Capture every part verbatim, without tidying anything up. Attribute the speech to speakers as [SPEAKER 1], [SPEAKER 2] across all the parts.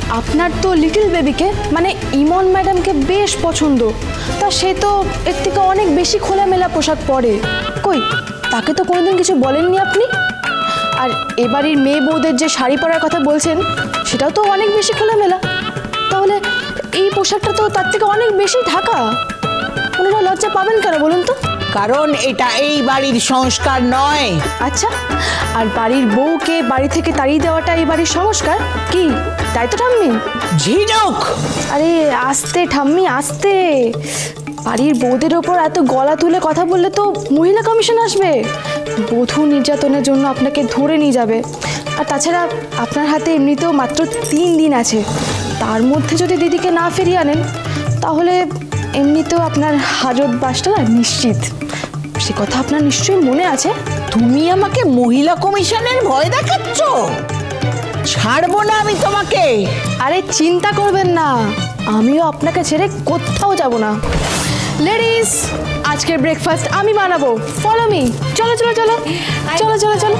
[SPEAKER 1] আপনার তো লিটল বেবিকে মানে ইমন ম্যাডামকে বেশ পছন্দ, তা সে তো এর থেকে অনেক বেশি খোলামেলা পোশাক পরে। কই, তাকে তো কোনোদিন কিছু বলেননি আপনি। আর এবাড়ির মেয়ে বউদের যে শাড়ি পরার কথা বলছেন সেটাও তো অনেক বেশি খোলামেলা। তাহলে এই পোশাকটা তো তার থেকে অনেক বেশি ঢাকা। ওনারা লজ্জা পাবেন কেন বলুন তো?
[SPEAKER 2] কারণ এটা এই বাড়ির সংস্কার নয়।
[SPEAKER 1] আচ্ছা, আর বাড়ির বউকে বাড়ি থেকে তাড়িয়ে দেওয়াটা এই বাড়ির সংস্কার কি? তাই তো ঠাম্মি?
[SPEAKER 2] ঝিনুক,
[SPEAKER 1] আরে আস্তে ঠাম্মি আস্তে। বাড়ির বউদের ওপর এত গলা তুলে কথা বললে তো মহিলা কমিশন আসবে, বধূ নির্যাতনের জন্য আপনাকে ধরে নিয়ে যাবে। আর তাছাড়া আপনার হাতে এমনিতেও মাত্র তিন দিন আছে, তার মধ্যে যদি দিদিকে না ফিরিয়ে আনেন তাহলে এমনিতেও আপনার হাজত বাসটা না নিশ্চিত। সে কথা আপনার নিশ্চয়ই মনে আছে।
[SPEAKER 2] তুমি আমাকে মহিলা কমিশনের ভয় দেখাচ্ছ? ছাড়বো না আমি তোমাকে।
[SPEAKER 1] আরে চিন্তা করবেন না, আমিও আপনাকে ছেড়ে কোথাও যাব না। লেডিস, আজকের ব্রেকফাস্ট আমি বানাবো, ফলো মি। চলো চলো চলো চলো চলো চলো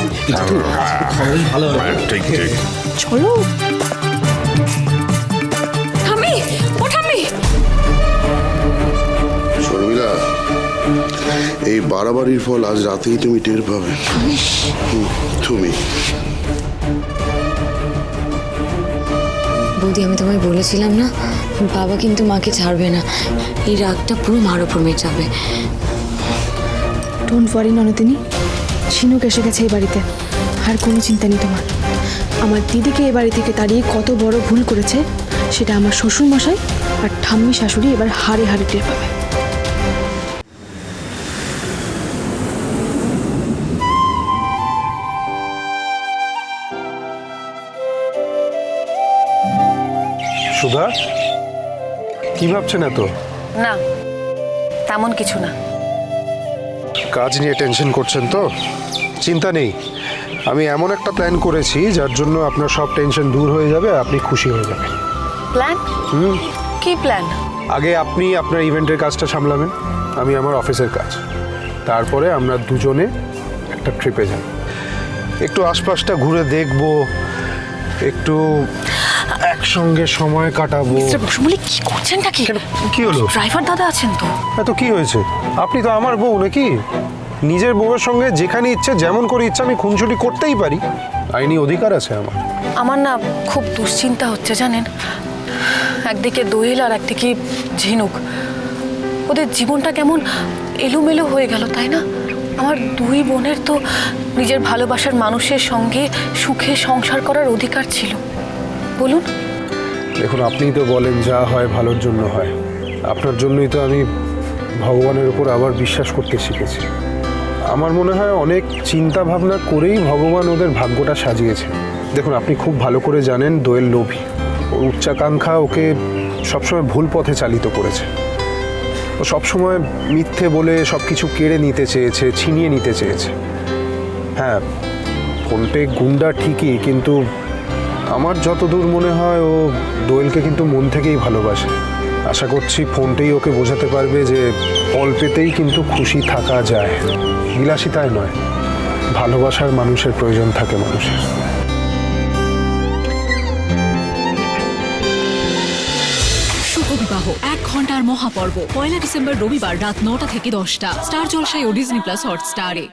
[SPEAKER 3] ঠিক ঠিক
[SPEAKER 1] চলো।
[SPEAKER 4] ঠাম্মি, ও ঠাম্মি,
[SPEAKER 3] শর্মিলা, এই বাড়াবাড়ির ফল আজ রাতেই তুমি টের পাবে। হুম, তুমি
[SPEAKER 4] বৌদি আমি তোমায় বলেছিলাম না, বাবা কিন্তু মাকে ছাড়বে না। এই রাগটা পুরো মার ওপর মেটাবে।
[SPEAKER 1] ডোন্ট ওয়ারি ননদিনী, ঝিনুক এসে গেছে এই বাড়িতে, আর কোনো চিন্তা নেই তোমার। আমার দিদিকে এ বাড়ি থেকে তাড়িয়ে কত বড় ভুল করেছে সেটা আমার শ্বশুর মশাই আর ঠাম্মি শাশুড়ি এবার হাড়ে হাড়ে টের পাবে।
[SPEAKER 5] সুধা, কি ভাবছেন এত?
[SPEAKER 6] না, তেমন কিছু না।
[SPEAKER 5] কাজ নিয়ে টেনশন করছেন তো? চিন্তা নেই, আমি এমন একটা প্ল্যান করেছি যার জন্য আপনার সব টেনশন দূর হয়ে যাবে, আপনি খুশি হয়ে যাবেন।
[SPEAKER 6] প্ল্যান?
[SPEAKER 5] হুম,
[SPEAKER 6] কি প্ল্যান?
[SPEAKER 5] আগে আপনি আপনার ইভেন্টের কাজটা সামলাবেন, আমি আমার অফিসের কাজ। তারপরে আমরা দুজনে একটা ট্রিপে যাব, একটু আশপাশটা ঘুরে দেখব, একটু একসঙ্গে সময় কাটাবো।
[SPEAKER 6] মিস্টার বসুমলি, কি করছেনটা কি?
[SPEAKER 5] কেন, কি হলো?
[SPEAKER 6] ড্রাইভার দাদা আছেন তো?
[SPEAKER 5] এত কি হয়েছে? আপনি তো আমার বউ নাকি? নিজের বউয়ের সঙ্গে যেখানে ইচ্ছে যেমন করে ইচ্ছে আমি খুনসুটি করতেই পারি, আইনি অধিকার আছে আমার।
[SPEAKER 6] আমার না খুব দুশ্চিন্তা হচ্ছে জানেন। একদিকে দোয়েল আর একদিকে ঝিনুক, ওদের জীবনটা কেমন এলোমেলো হয়ে গেল, তাই না? আমার দুই বোনের তো নিজের ভালোবাসার মানুষের সঙ্গে সুখে সংসার করার অধিকার ছিল, বলুন।
[SPEAKER 5] দেখুন, আপনিই তো বলেন যা হয় ভালোর জন্য হয়। আপনার জন্যই তো আমি ভগবানের উপর আবার বিশ্বাস করতে শিখেছি। আমার মনে হয় অনেক চিন্তা ভাবনা করেই ভগবান ওদের ভাগ্যটা সাজিয়েছে। দেখুন, আপনি খুব ভালো করে জানেন দোয়েল লোভী, ওর উচ্চাকাঙ্ক্ষা ওকে সবসময় ভুল পথে চালিত করেছে। ও সবসময় মিথ্যে বলে সব কিছু কেড়ে নিতে চেয়েছে, ছিনিয়ে নিতে চেয়েছে। হ্যাঁ, ফোনপে গুন্ডা ঠিকই, কিন্তু আমার যতদূর মনে হয় ও দোয়েলকে কিন্তু মন থেকেই ভালোবাসে। আশা করছি ফোনটাই ওকে বোঝাতে পারবে যে অল্পেতেই কিন্তু খুশি থাকা যায়, বিলাসিতায় নয়। ভালোবাসার মানুষের প্রয়োজন থাকে মানুষের।
[SPEAKER 7] শুভ বিবাহ এক ঘন্টার মহাপর্ব পয়লা ডিসেম্বর রবিবার রাত নটা থেকে দশটা স্টার জলসায় ও ডিজনি প্লাস হটস্টারে।